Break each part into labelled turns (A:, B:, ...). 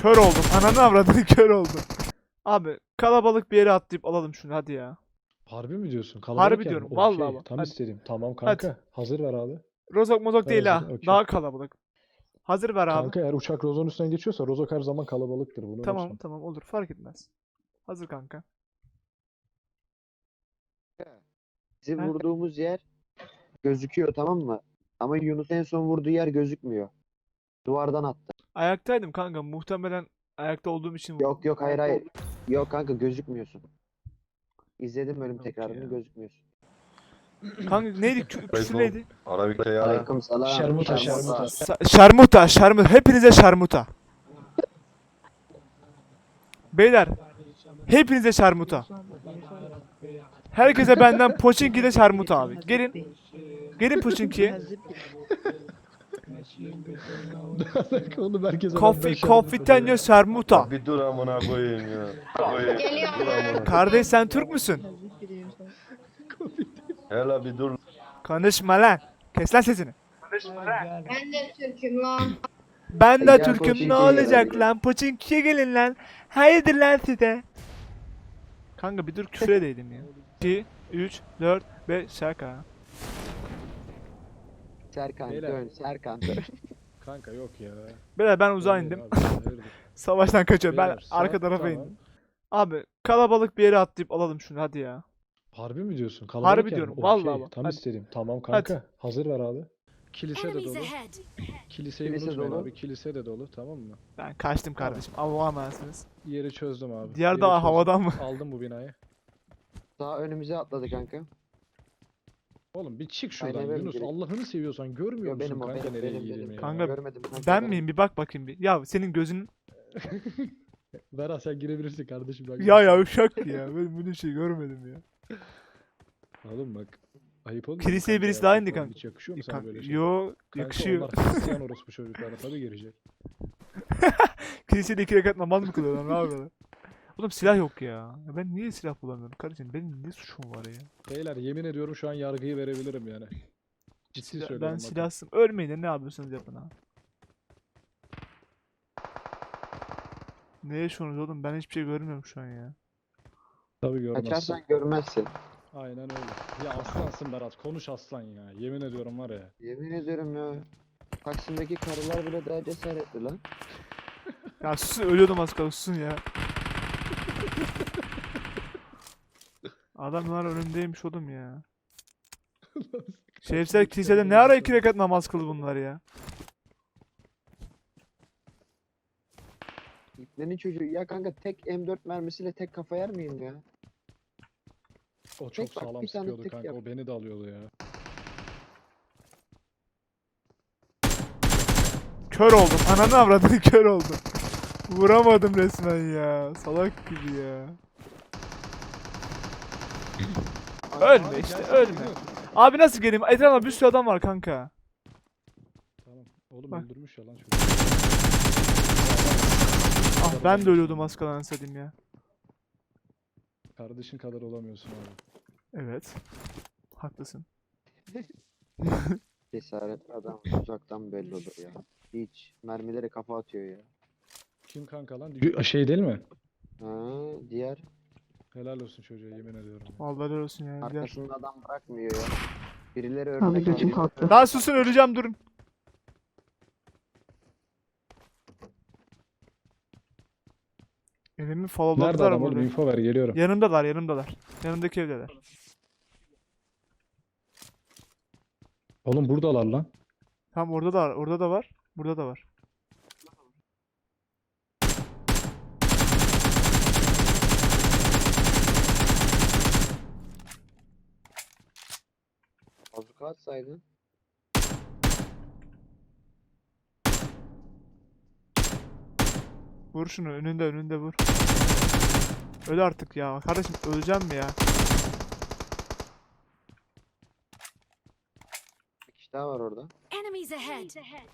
A: Kör oldum. Ananı avradını kör oldum. Abi kalabalık bir yere atlayıp alalım şunu hadi ya.
B: Harbi mi diyorsun?
A: Harbi
B: Kalabalık yer mi?
A: diyorum,
B: Okey,
A: vallahi bak,
B: tam
A: hadi.
B: istediğim. Tamam
A: Hadi.
B: kanka. Hazır ver abi.
A: Rozok mozok
B: Ver
A: değil
B: hazırı,
A: ha.
B: okey.
A: Daha kalabalık. Hazır ver abi.
B: Kanka eğer uçak Rozok'un üstünden geçiyorsa Rozok her zaman kalabalıktır. Bunu
A: Tamam
B: unutma.
A: tamam olur fark etmez. Hazır kanka.
C: Bizim
A: Ha?
C: vurduğumuz yer gözüküyor, tamam mı? Ama Yunus en son vurduğu yer gözükmüyor. Duvardan attı.
A: Ayaktaydım kanka. Muhtemelen ayakta olduğum için vurdum.
C: Yok yok, hayır hayır. Yok kanka, gözükmüyorsun. İzledim ölüm
A: Yok
C: tekrarını,
A: ya.
C: gözükmüyorsun.
A: Kanka neydi? Küfür neydi?
D: Arabik'te ya.
C: Aleyküm selam.
B: Şermuta,
C: Şermuta.
A: Şarmuta, şarmuta. Hepinize şarmuta. Beyler, hepinize şarmuta. Herkese benden Pochinki'de şarmuta abi. Gelin. Gelin Pochinki'ye.
B: Oğlum herkese
A: Confitenyo şarmuta.
D: Bir dur amına koyayım ya. Dur amına.
A: Kardeş sen Türk müsün?
D: Hele bir dur.
A: Konuşma lan. Kes lan sesini.
E: Ben de Türk'üm lan.
A: Ben de
C: Gel
A: Türk'üm, ne
C: Pochinki'ye
A: olacak
C: gelelim.
A: lan? Pochinki'ye gelin lan. Hayırdır lan size? Kanka bir dur küfür edeydim ya. 2, 3, 4, 5 şaka.
C: Serkan
B: Beyler.
C: dön, Serkan dön.
B: Kanka yok ya.
A: Beyler ben uzağa
B: Hayır
A: indim.
B: abi, hayırdır.
A: Savaştan kaçıyorum. Ben
B: Beyler,
A: arka
B: saat-
A: tarafa
B: tamam.
A: indim. Abi kalabalık bir yere atlayıp alalım şunu hadi ya.
B: Harbi mi diyorsun? Kalabalık
A: Harbi
B: yer mi?
A: diyorum,
B: Okey,
A: vallahi bak,
B: tam
A: hadi.
B: istediğim. Tamam kanka. Hazır ver abi. Kilise de
F: Enemies
B: dolu.
F: ahead.
B: Kiliseyi
C: Kilise
B: unutmayın
C: dolu.
B: abi. Kilise de dolu, tamam mı?
A: Ben kaçtım kardeşim. Allah'a emanetsiniz.
B: Yeri çözdüm abi.
A: Diğer
B: Yeri
A: dağ
B: çözdüm.
A: havadan mı?
B: Aldım bu binayı.
C: Daha önümüze atladı kanka.
B: Oğlum bir çık şuradan
C: Aynen öyle
B: Yunus.
C: direkt.
B: Allah'ını seviyorsan görmüyor
C: Yo,
B: musun
C: benim o,
B: kanka
C: benim,
B: nereye
C: benim,
B: girdiğimi
C: benim.
B: ya?
A: Kanka,
C: Görmedim kanka.
A: Ben miyim? Bir bak bakayım bir. Ya senin gözün...
B: Berat sen girebilirsin kardeşim. Bak.
A: Ya uşak ya. Ben böyle şey görmedim ya.
B: Oğlum bak. Ayıp olmuyor mu
A: Kiliseye
B: kanka
A: birisi
B: ya?
A: daha indi
B: Falan
A: kanka.
B: Hiç yakışıyor mu sana böyle şey?
A: Yo
B: Kanka
A: yakışıyor.
B: onlar Hristiyan orospu çocuklarına tabii girecek.
A: Kilisede 2 rekat namaz mı kılıyorlar? Ne yapıyorlar? Oğlum silah yok ya. Ya ben niye silah bulamıyorum kardeşim? Benim ne suçum var ya?
B: Beyler yemin ediyorum şu an yargıyı verebilirim yani. Ciddi söylüyorum
A: Ben
B: bakın.
A: silahsım. Ölmeyin de ne yapıyorsanız yapın ha. Ne yaşıyorsunuz oğlum? Ben hiçbir şey görmüyorum şu an ya.
B: Tabii görmezsin.
C: Kaçarsan görmezsin.
B: Aynen öyle. Ya aslansın Berat. Konuş aslan ya. Yemin ediyorum var ya.
C: Yemin ediyorum ya. Taksim'deki karılar bile daha cesaretli lan.
A: Ya susun, ölüyordum az kalsın, susun ya. Adamlar önümdeymiş oğlum ya. Şerifler kilisede ne ara 2 rekat namaz kıldı bunlar ya?
C: İplerin çocuğu. Ya kanka tek M4 mermisiyle tek kafa yer miyim ya?
B: O çok
C: Tek bak,
B: sağlam
C: bir tane
B: sıkıyordu
C: tek
B: kanka.
C: yap.
B: O beni de alıyordu ya.
A: Kör oldum. Ananı avradını kör oldum. Vuramadım resmen ya. Salak gibi ya. Ölme
B: Abi
A: işte,
B: gelsene
A: ölme.
B: Yunus.
A: Abi nasıl geleyim? Etrafında bir sürü adam var kanka.
B: Tamam. Oğlum
A: Bak.
B: öldürmüş ya lan çocuk.
A: Ah ben de ölüyordum az kalan satayım ya.
B: Kardeşin kadar olamıyorsun abi.
A: Evet. Haklısın.
C: Cesaretli adam uzaktan belli olur ya. Hiç. Mermilere kafa atıyor ya.
B: Kim kanka lan? Şey değil mi?
C: Ha, diğer
B: Helal olsun çocuğa yemin ediyorum. ya.
A: Vallahi helal olsun ya. Diğer.
C: arkasında adam bırakmıyor ya. Birileri
G: Abi
C: örnek
G: gözüm
C: alıyor.
G: kalktı.
A: Daha susun, öleceğim, durun. Evimi
B: Nerede
A: followladılar
B: adam oğlum?
A: burada.
B: Info ver geliyorum.
A: Yanımdalar, yanımdalar. Yanımdaki evdeler.
B: Oğlum buradalar lan.
A: Tam orada da var, orada da var. Burada da var.
C: Bazuka atsaydın.
A: Vur şunu, önünde vur. Öl artık ya. Kardeşim öleceğim mi ya?
C: Bir kişi daha var orada.
F: Enemies ahead.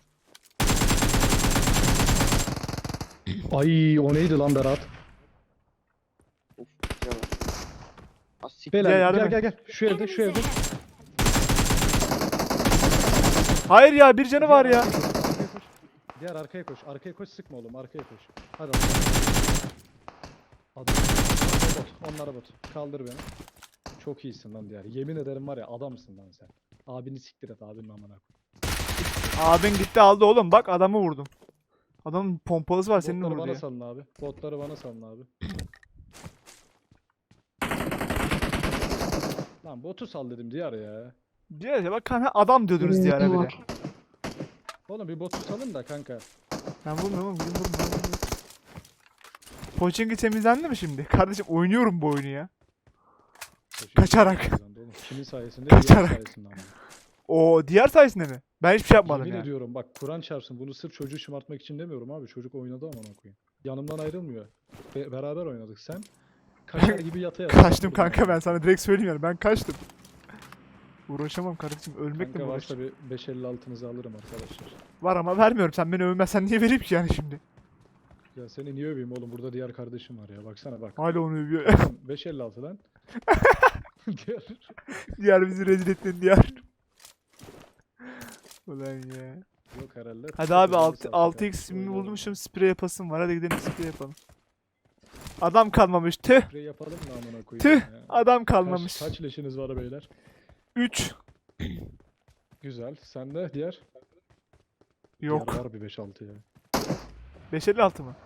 B: Ay o neydi lan Berat?
C: Uf, bir şey var. Az siktir.
B: Beyler
A: yardım
B: gel
A: et.
B: gel gel. Şu evde şu
F: Enemies
B: evde.
F: ahead.
A: Hayır ya, bir canı var ya.
B: Diğer arkaya koş. Arkaya koş, sıkma oğlum. Arkaya koş. Hadi adam. Adam. Bot. Onlara bot. Kaldır beni. Çok iyisin lan diğer. Yemin ederim var ya, adamsın lan sen. Abini siktir et, abinin amına koy.
A: Abin gitti aldı oğlum. Bak adamı vurdum. Adamın pompalısı var senin
B: Botları
A: vurdu
B: bana
A: ya.
B: salın abi. Botları bana salın abi. Lan botu sal dedim diğer ya.
A: Diyor ya bak kanka adam diyordunuz diye ara bile.
B: Oğlum bir botu salın da kanka.
A: Ben vurmuyorum oğlum. Vurmuyorum. Pochinki temizlendi mi şimdi? Kardeşim oynuyorum bu oyunu ya. Kaçarak.
B: Oğlum, kimin sayesinde?
A: Kaçarak.
B: Diğer sayesinde ama.
A: O diğer sayesinde mi? Ben hiçbir şey yapmadım
B: Yemin
A: ya.
B: ediyorum bak, Kur'an çarpsın, bunu sırf çocuğu şımartmak için demiyorum abi. Çocuk oynadı amına koyayım. Yanımdan ayrılmıyor. Beraber oynadık. Sen kaçar gibi yata yata.
A: Kaçtım kanka ben sana direkt söyleyeyim yani. Ben kaçtım. Uğraşamam kardeşim. Ölmekle mi
B: Kanka
A: uğraşacağım?
B: varsa bir 5.56'nızı alırım arkadaşlar.
A: Var ama vermiyorum. Sen beni övmezsen niye vereyim ki yani şimdi?
B: Ya seni niye öveyim oğlum? Burada diğer kardeşim var ya. Baksana bak.
A: Hala onu övüyor.
B: 5.56 lan. Diğer.
A: Diğer bizi rezil ettin diğer. Ulan ya.
B: Yok herhalde.
A: Hadi abi
B: Takılırız artık
A: 6x
B: artık.
A: ismini
B: Oynayalım.
A: bulmuşum. Sprey yapasım var. Hadi gidelim sprey yapalım. Adam kalmamış. Tüh.
B: Sprey yapalım mı amına koyayım
A: Tüh.
B: ya?
A: Adam kalmamış.
B: Kaç leşiniz var beyler?
A: 3.
B: Güzel. Sende diğer?
A: Yok.
B: Diğer var bir 5-6 ya.
A: 556 mı?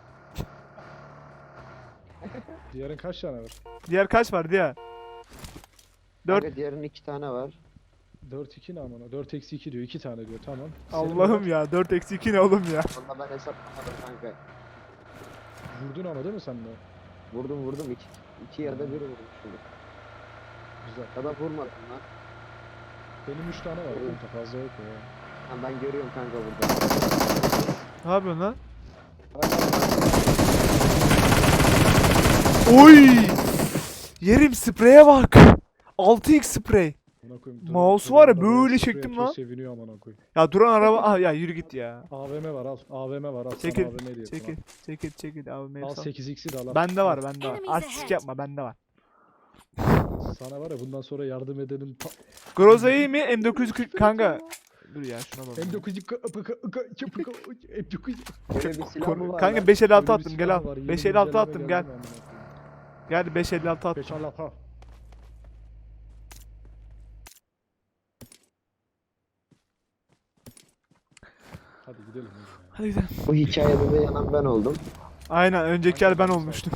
B: Diğerin kaç tane var?
A: Diğer kaç var diğer? 4.
C: Kanka diğerinin 2 tane var.
B: 4-2 ne amına? 4 eksi 2 diyor. 2 tane diyor. Tamam.
A: Allah'ım ya. 4 eksi 2 ne oğlum ya?
C: Valla ben hesaplamadım kanka.
B: Vurdun ama değil mi sen de?
C: Vurdum. İki ya da biri vurdum şimdi.
B: Güzel.
C: Ya da vurmadım lan.
B: Benim 3 tane var kanka, fazla yok ya.
C: Ha, ben görüyorum kanka burada.
A: Ne yapıyorsun lan?
C: Hala
A: Oy! Yerim spreye bak. 6x sprey.
B: Amına koyayım.
A: Mouse var ya,
B: arabaya
A: böyle
B: sprey
A: çektim
B: atıyor,
A: lan.
B: Seviniyor amına koyayım.
A: Ya duran araba. Ah ya yürü git ya.
B: AVM var al. AVM var al.
A: Çekil,
B: Sana AVM diye
A: Çekil abi
B: Al
A: mevzu.
B: 8x'i de al. al.
A: Bende var bende var.
F: Enemies
A: Artistik
F: ahead.
A: yapma bende var.
B: Sana var ya, bundan sonra yardım edenin
A: Groza iyi mi? M940 kanka. Dur ya şuna bak.
B: M9
C: böyle bir silah mı var
A: Kanka
C: lan?
A: 556 attım gel al. 556 attım gel.
B: Gel.
A: Gel 556 attım.
B: 556. Hadi gidelim.
A: Hadi gidelim.
C: Bu hikayede de yanan ben oldum.
A: Aynen önceki el ben olmuştum.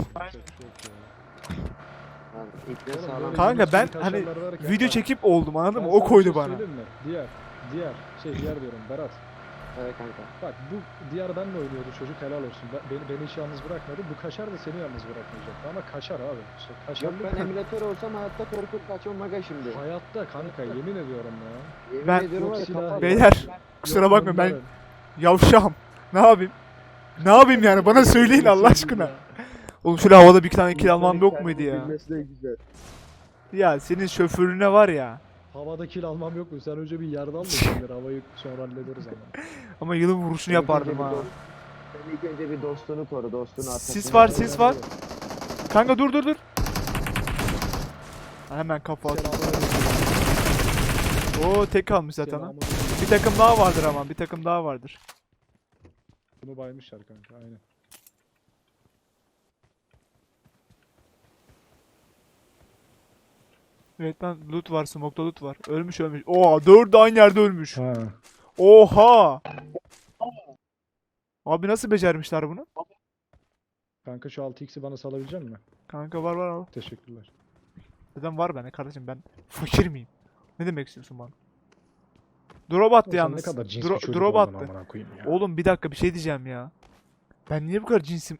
C: Yani ipne sağlam.
A: Kanka ben hani video çekip oldum anladın mı? O koydu bana.
B: Diğer diyorum Berat.
C: Evet kanka.
B: Bak bu diğer benle oynuyordu çocuk, helal olsun. Beni hiç yalnız bırakmadı. Bu kaçar da seni yalnız bırakmayacaktı ama kaçar abi. İşte
C: Yok
B: kaçarlık
C: ben emülatör olsam hayatta korkup kaçmam aga şimdi.
B: hayatta kanka, yemin ediyorum ya.
C: Yemin
A: Ben-
C: ediyorum var ya,
B: Yok silah-
C: kapat-
A: Beyler kusura
B: Yok
A: bakma ben
B: bunların.
A: yavşağım. Ne yapayım? Ne yapayım yani bana söyleyin Allah aşkına. Oğlum şöyle havada bir tane kill almam yok muydu ya?
C: Bilmesi de güzel.
A: Ya senin şoförüne var ya.
B: Havada kill almam yok mu? Sen önce bir yerden al da şimdi havayı sonra hallederiz ama.
A: Ama yılın vuruşunu yapardım ha.
C: Sen ilk önce bir dostunu koru, dostunu arkasında.
A: Sis var. Kanka dur. Hemen kafa at. Oo tek kalmış zaten ha. Bir takım daha vardır ama bir takım daha vardır.
B: Bunu baymışlar kanka, aynen.
A: Evet lan loot var, smoke'da loot var. Ölmüş. Oha 4 aynı yerde ölmüş.
B: Ha.
A: Oha. Abi nasıl becermişler bunu?
B: Kanka şu 6x'i bana salabilecek misin?
A: Kanka var al.
B: Teşekkürler.
A: Neden var bende kardeşim ben fakir miyim? Ne demek istiyorsun bana? Drop attı
B: Sen
A: yalnız.
B: ne kadar cins bir çocuk
A: Drop
B: oldun
A: attı.
B: amına koyayım ya.
A: Oğlum bir dakika bir şey diyeceğim ya. Ben niye bu kadar cinsim?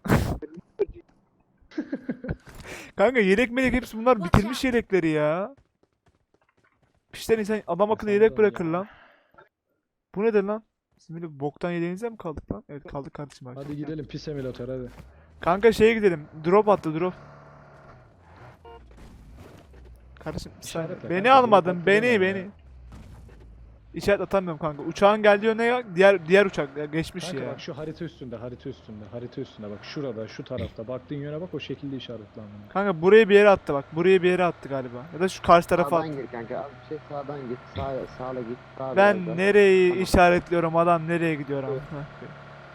A: Kanka yelek melek hepsi bunlar bitirmiş yelekleri ya. Pişten insan adam akıllı
B: sen
A: yelek
B: de
A: bırakır
B: ya.
A: lan. Bu nedir lan? Siz böyle boktan yeleğinize mi kaldık lan? Evet kaldık kardeşim abi.
B: Hadi gidelim pis emülatör hadi.
A: Kanka şeye gidelim. Drop attı drop. Kardeşim bir saniye.
B: İşaretle
A: Beni
B: kanka,
A: almadın
B: drop attı
A: beni
B: deme
A: beni.
B: ya.
A: İşaret atamıyorum kanka. Uçağın geldiği yöne ya. Diğer uçak ya, geçmiş
B: Kanka
A: ya.
B: bak şu harita üstünde bak şurada şu tarafta baktığın yöne bak, o şekilde işaretle amına.
A: Kanka buraya bir yere attı bak. Buraya bir yere attı galiba. Ya da şu karşı tarafa attı.
C: Sağdan gir kanka. Az bir şey sağdan git. Sağla git. Sağa biraz
A: Ben
C: da.
A: nereyi
C: Tamam.
A: işaretliyorum adam nereye gidiyor ama. Heh.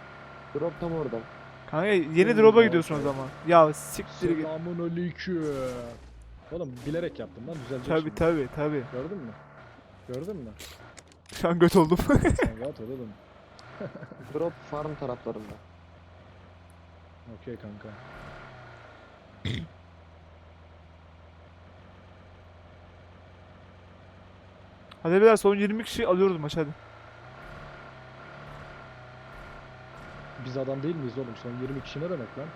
C: Drop tam orada.
A: Kanka yeni drop'a gidiyorsun o zaman. Ya siktir git.
B: Selamun aleyküm. Oğlum bilerek yaptım lan düzelecek
A: Tabi
B: şimdi.
A: tabi tabi.
B: Gördün mü? Gördün mü?
A: Şu an göt oldum.
B: Sen rahat ol oğlum.
C: Drop farm taraflarında.
B: Okey kanka.
A: Hadi beyler son 20 kişi alıyoruz maç hadi.
B: Biz adam değil miyiz oğlum? Son 20 kişi ne demek lan?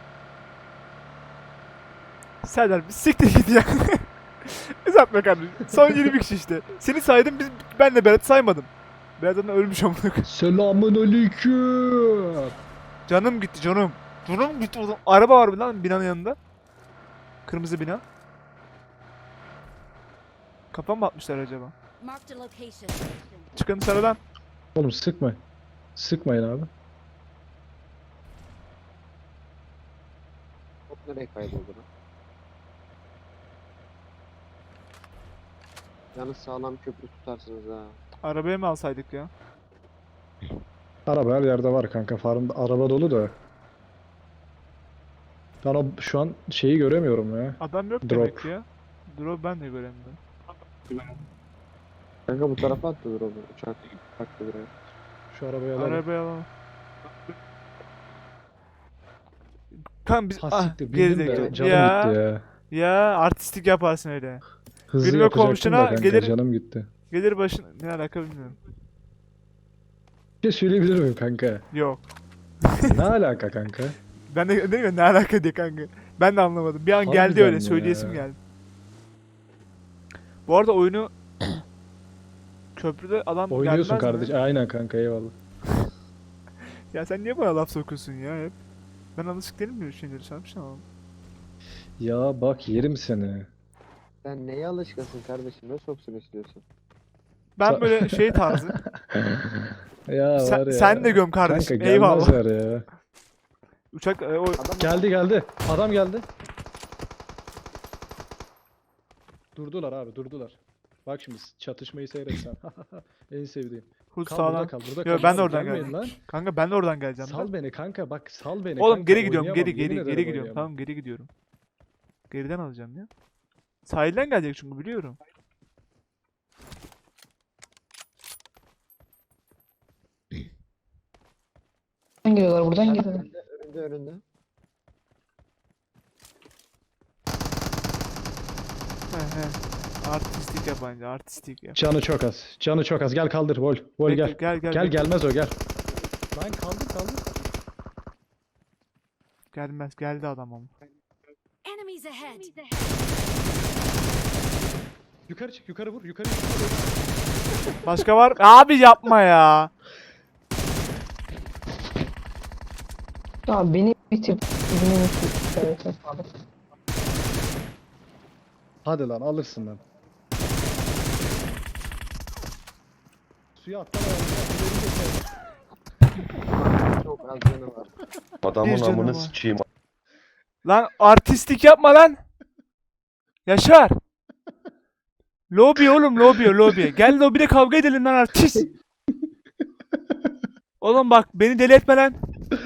A: Serdar bir siktir git ya. Uzatma kardeşim. Son 20 kişi işte. Seni saydım ben de Berat'ı saymadım. Berat'ın ölmüş amına koyayım.
B: Selamun aleyküm.
A: Canım gitti canım. Canım gitti oğlum. Araba var lan binanın yanında. Kırmızı bina. Kafa mı atmışlar acaba?
F: Marked a location.
A: Çıkın dışarıdan.
B: Oğlum sıkma. Sıkmayın abi.
C: Top nereye kayboldu lan? Yalnız sağlam köprü tutarsınız ha.
A: Arabaya mı alsaydık ya?
B: Araba her yerde var kanka. Farmda araba dolu da. Ben o şu an şeyi göremiyorum ya.
A: Adam yok
B: Drop.
A: demek ki ya. Drop ben de göremiyorum.
C: Kanka bu tarafa attı drop'u. Uçak baktı buraya.
B: Şu arabayı alalım.
A: Arabaya alalım. Kan biz
B: Ha siktir bindim de
A: gerizekalı.
B: canım
A: Ya,
B: gitti ya.
A: ya artistik yaparsın öyle.
B: Hızlı
A: Gülme
B: yapacaktım
A: komşuna
B: da kanka
A: gelir-
B: canım gitti.
A: Gelir başın ne alaka bilmiyorum.
B: Bir şey söyleyebilir miyim kanka?
A: Yok.
B: Ne alaka kanka?
A: Ben de dedim ya ne alaka diye kanka. Ben de anlamadım. Bir an geldi
B: Harbiden
A: öyle
B: ya.
A: söyleyesim geldi. Bu arada oyunu köprüde adam
B: Oynuyorsun
A: gelmez mi?
B: kardeş. Aynen kanka eyvallah.
A: Ya sen niye bana laf sokuyorsun ya hep? Ben alışık değilim böyle şeyleri sanmışım ama.
B: Ya bak yerim seni.
C: Sen neye alışkınsın kardeşim? Ne soksun istiyorsun?
A: Ben böyle şey tarzı.
B: Ya
A: Sen-
B: var ya.
A: sen de göm kardeşim,
B: Kanka
A: eyvallah.
B: gelmezler ya.
A: Uçak o
C: Adam
B: Geldi. Adam geldi. Durdular abi durdular. Bak şimdi çatışmayı seyretsen. En sevdiğim.
A: hız
B: Kal
A: sağlam.
B: burada kal burada
A: Yo,
B: kal.
A: ben de
B: Abi,
A: oradan
B: gelmeyin
A: geleceğim.
B: lan.
A: Kanka ben de oradan geleceğim.
B: Sal
A: ben.
B: beni kanka bak sal beni
A: Oğlum
B: kanka,
A: geri gidiyorum,
B: oynayamam,
A: geri
B: yemin ederim
A: gidiyorum.
B: oynayamam.
A: Tamam geri gidiyorum. Geriden alacağım ya. Sahilden gelecek çünkü biliyorum.
E: Buradan geliyorlar, buradan geliyorlar.
C: önünde.
A: He he. Artistik yap bence, artistik yap.
B: Canı çok az. Canı çok az. Gel kaldır Vol. Vol
A: Bekle,
B: gel.
A: gel
B: Gel
A: bekle.
B: gelmez o gel. Lan kaldır.
A: Gelmez, geldi adam ama.
F: Enemies ahead.
B: Yukarı çık yukarı vur yukarı.
A: Başka var? Abi yapma ya.
E: Tamam beni bitir. Beni bitir. Evet, abi.
B: Hadi lan alırsın lan. Suya atlama ya.
C: Çok az canı var.
D: Adamın
A: Bir canı
D: amını
A: var.
D: sıçayım.
A: Lan artistik yapma lan. Yaşar. Lobi oğlum lobi. Gel lobide kavga edelim lan artist. Oğlum bak beni deli etme lan.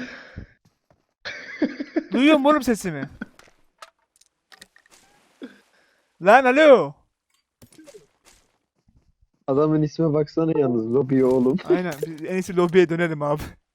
A: Duyuyor musun oğlum sesimi? Lan alo.
C: Adamın isme baksana yalnız. Lobby oğlum.
A: Aynen biz en iyisi lobiye dönelim abi.